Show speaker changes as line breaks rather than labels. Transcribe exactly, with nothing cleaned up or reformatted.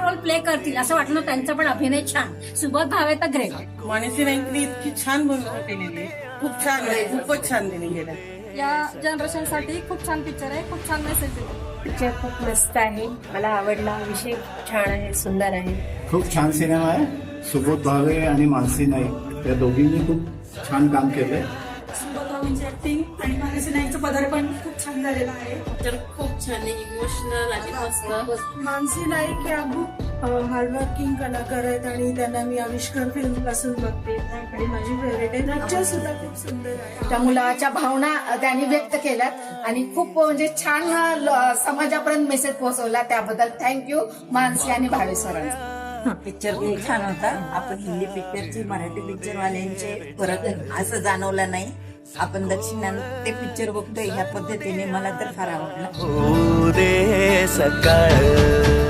Role play करतील असं वाटलं. त्यांचा पण अभिनय छान. सुबोध भावे तर ग्रेट.
मानसी नाईकने इतकी छान भूमिका केलेली आहे. खूप छान आहे, खूपच छान दिली गेलं.
या जनरेशन साठी खूप छान पिक्चर आहे. खूप छान मेसेज देतो.
पिक्चर खूप मस्त आहे. मला आवडला. विषय छान आहे, सुंदर आहे.
खूप छान सिनेमा आहे. सुबोध भावे आणि मानसी नाईक या दोघींनी खूप छान काम केलंय.
सुबोध भावेंची ऍक्टिंग आणि मानसी नाईकचं पदार्पण खूप छान झालेलं आहे.
तर खूप छान आहे, इमोशनल आणि मस्त.
मानसी नाईक या खूप हार्डवर्किंग कलाकार आहेत आणि त्यांना मी आविष्कार फिल्म पासून बघते आणि माझी फेवरेट आहे. पिक्चर सुद्धा खूप सुंदर आहे.
त्या मुलाच्या भावना त्यांनी व्यक्त केल्यात आणि खूप म्हणजे छान ल- समाजापर्यंत मेसेज पोहोचवला. त्याबद्दल थँक्यू मानसी आणि भावे सरांचा.
पिक्चर खूप छान होता. आपण हिंदी पिक्चरची मराठी पिक्चर वाल्यांचे फरक असं जाणवलं नाही. आपण दक्षिणात ते पिक्चर बघतोय ह्या पद्धतीने मला तर फार आवडलं.
सकाळ